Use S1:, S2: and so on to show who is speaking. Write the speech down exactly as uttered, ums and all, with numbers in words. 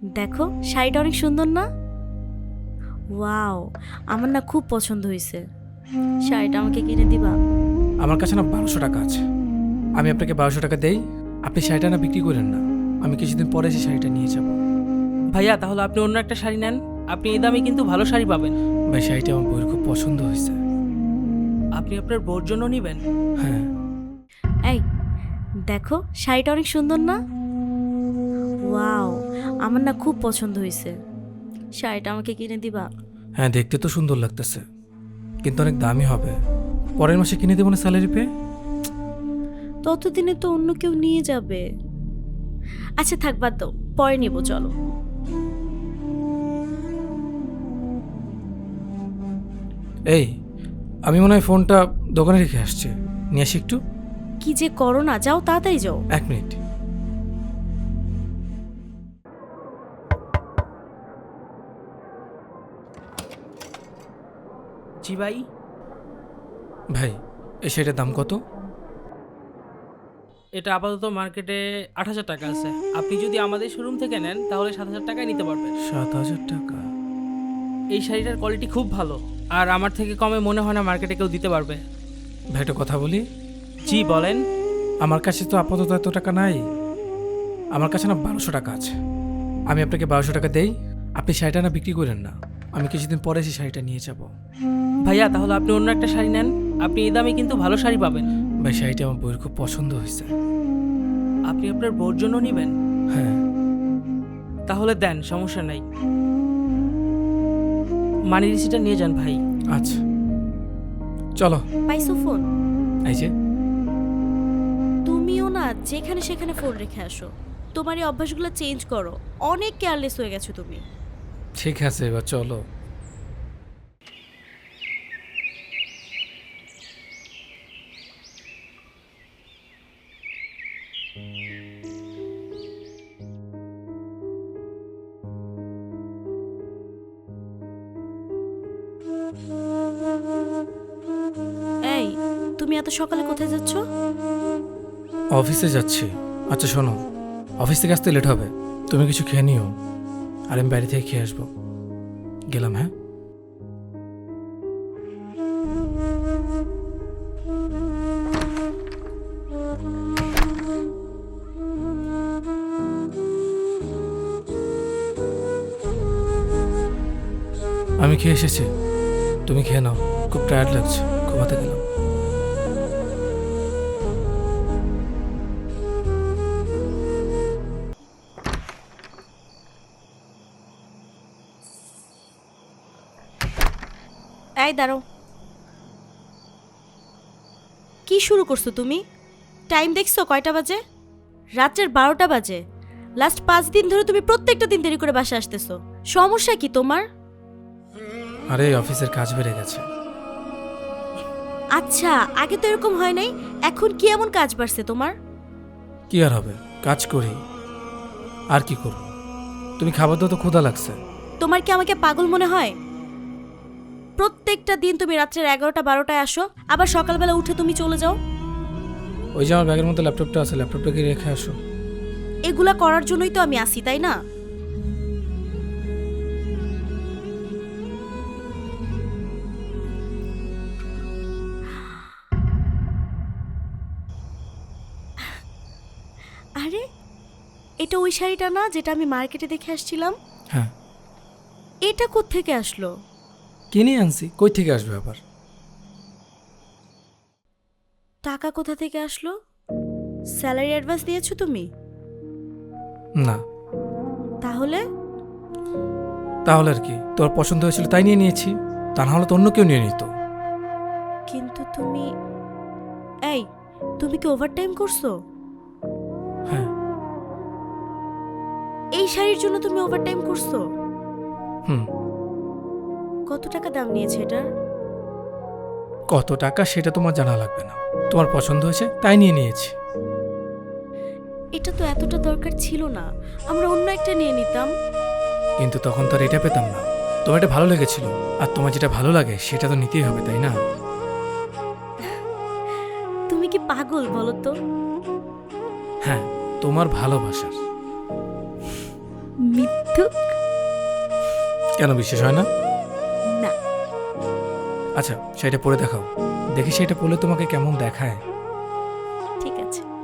S1: দেখো শাড়িটা অনেক সুন্দর না? ওয়াও, আমার না খুব পছন্দ হয়েছে। শাড়িটা আমাকে কিনে দিবা?
S2: আমার কাছে না বারোশো টাকা আছে, আমি আপনাকে বারোশো টাকা দেই, আপনি শাড়িটা না বিক্রি করেন না, আমি কিছুদিন পরে এসে শাড়িটা নিয়ে যাব।
S3: ভাইয়া তাহলে আপনি অন্য একটা শাড়ি নেন, আপনি এই দামে কিন্তু ভালো শাড়ি পাবেন।
S2: ভাই শাড়িটা আমার বউয়ের খুব পছন্দ হয়েছে।
S3: আপনি আপনার বোর জন্য নেবেন?
S2: হ্যাঁ।
S1: এই দেখো শাড়িটা অনেক সুন্দর না? ওয়াও, আমার না খুব পছন্দ হয়েছে। শাড়িটা আমাকে কিনে দিবা?
S2: হ্যাঁ, দেখতে তো সুন্দর লাগতেছে, কিন্তু অনেক দামি হবে। পরের মাসে কিনে দেবো না স্যালারি পেয়ে।
S1: ততদিনে তো অন্য কেউ নিয়ে যাবে। আচ্ছা থাক, বাদ দাও, পরে নেব, চলো।
S2: এই, আমি মনে হয় ফোনটা দোকানে রেখে আসছি, নিয়ে আসি একটু।
S1: কি যে করো না, যাও তাড়াতাড়ি যাও।
S2: এক মিনিট।
S3: জি ভাই।
S2: ভাই এই শাড়িটার দাম কত?
S3: এটা আপাতত মার্কেটে আট হাজার টাকা আছে, আপনি যদি আমাদের শোরুম থেকে নেন তাহলে সাত হাজার টাকায় নিতে পারবেন।
S2: সাত হাজার টাকা?
S3: এই শাড়িটার কোয়ালিটি খুব ভালো, আর আমার থেকে কমে মনে হয় না মার্কেটে কেউ দিতে পারবে।
S2: ভাই একটা কথা বলি।
S3: জি বলেন।
S2: আমার কাছে তো আপাতত এত টাকা নাই, আমার কাছে না বারোশো টাকা আছে, আমি আপনাকে বারোশো টাকা দেই, আপনি শাড়িটা না বিক্রি করেন না, আমি কিছুদিন পরে এসে শাড়িটা নিয়ে যাব।
S3: ভাইয়া তাহলে আপনি অন্য একটা শাড়ি নেন, আপনি এই দামে কিন্তু ভালো শাড়ি পাবেন।
S2: ভাই শাড়িটা আমার বউয়ের খুব পছন্দ হয়েছে।
S3: আপনি আপনার বোর জন্য নেবেন?
S2: হ্যাঁ।
S3: তাহলে দেন, সমস্যা নাই। মানি রিসিটটা নিয়ে যান ভাই।
S2: আচ্ছা চলো।
S1: পাইছো ফোন?
S2: এই যে।
S1: তুমিও না যেখানে সেখানে ফোন রেখে আসো, তোমার এই অভ্যাসগুলো চেঞ্জ করো, অনেক কেয়ারলেস হয়ে গেছো তুমি।
S2: ঠিক আছে এবার চলো।
S1: এই, তুমি এত সকালে কোথায় যাচ্ছ?
S2: অফিসে যাচ্ছি। আচ্ছা শোনো, অফিস থেকে আসতে লেট হবে, তুমি কিছু খেয়ে নিও, আর আমি বাইরে থেকে খেয়ে আসবো। গেলাম। হ্যাঁ। আমি খেয়ে এসেছি, তুমি খেয়ে নাও, খুব টায়ার্ড লাগছে, ঘুমাতে গেলাম।
S1: এই দাঁড়াও, কি শুরু করছো তুমি? টাইম দেখছো কয়টা বাজে? রাত্রের বারোটা বাজে। লাস্ট পাঁচ দিন ধরে তুমি প্রত্যেকটা দিন দেরি করে বাসা আসতেছো, সমস্যা কি তোমার?
S2: আরে অফিসের কাজ বেড়ে গেছে।
S1: আচ্ছা, আগে তো এরকম হয় নাই, এখন কি এমন কাজ বাড়ছে তোমার?
S2: কি আর হবে, কাজ করি, আর কি করব। তুমি খাবার দাও তো, ক্ষুধা লাগছে।
S1: তোমার কি আমাকে পাগল মনে হয়? প্রত্যেকটা দিন তুমি রাত্রের এগারোটা বারোটায় আসো, আবার সকালবেলা উঠে তুমি চলে যাও।
S2: ওই যে আমার ব্যাগের মধ্যে ল্যাপটপটা আছে, ল্যাপটপটাকে রেখে আসো।
S1: এগুলা করার জন্যই তো আমি আসি, তাই না? আরে, এটা ওই শাড়িটা না যেটা আমি মার্কেটে দেখে আসছিলাম?
S2: হ্যাঁ।
S1: এটা কোত্থেকে আসলো?
S2: কিনে আনছি, কই থেকে আসবে আবার?
S1: টাকা কোথা থেকে আসলো? স্যালারি অ্যাডভান্স দিয়েছো তুমি?
S2: না।
S1: তাহলে?
S2: তাহলে আর কি, তোর পছন্দ হয়েছিল তাই নিয়ে নিয়েছি, তা না হলে তো অন্য কেউ নিয়ে নিত।
S1: কিন্তু তুমি, এই, তুমি কি ওভারটাইম করছো?
S2: হ্যাঁ।
S1: এই শাড়ির জন্য তুমি ওভারটাইম করছো?
S2: হুম।
S1: কত টাকা দাম নিয়েছে এটার?
S2: কত টাকা সেটা তোমার জানা লাগবে না, তোমার পছন্দ হয়েছে তাই নিয়ে নিয়েছি।
S1: এটা তো এতটা দরকার ছিল না, আমরা অন্য একটা নিয়ে নিতাম।
S2: কিন্তু তখন তো আর এটা পেতাম না, তোমার এটা ভালো লেগেছিল, আর তোমার যেটা ভালো লাগে সেটা তো নিতেই হবে, তাই না?
S1: তুমি কি পাগল বলো তো?
S2: হ্যাঁ, তোমার ভালোবাসার।
S1: মিথ্যা ধুক।
S2: কেন বিশ্বাস হয় না?
S1: না।
S2: আচ্ছা সেটা পরে দেখাও, দেখি সেটা পরলে তোমাকে কেমন দেখায়।
S1: ঠিক আছে।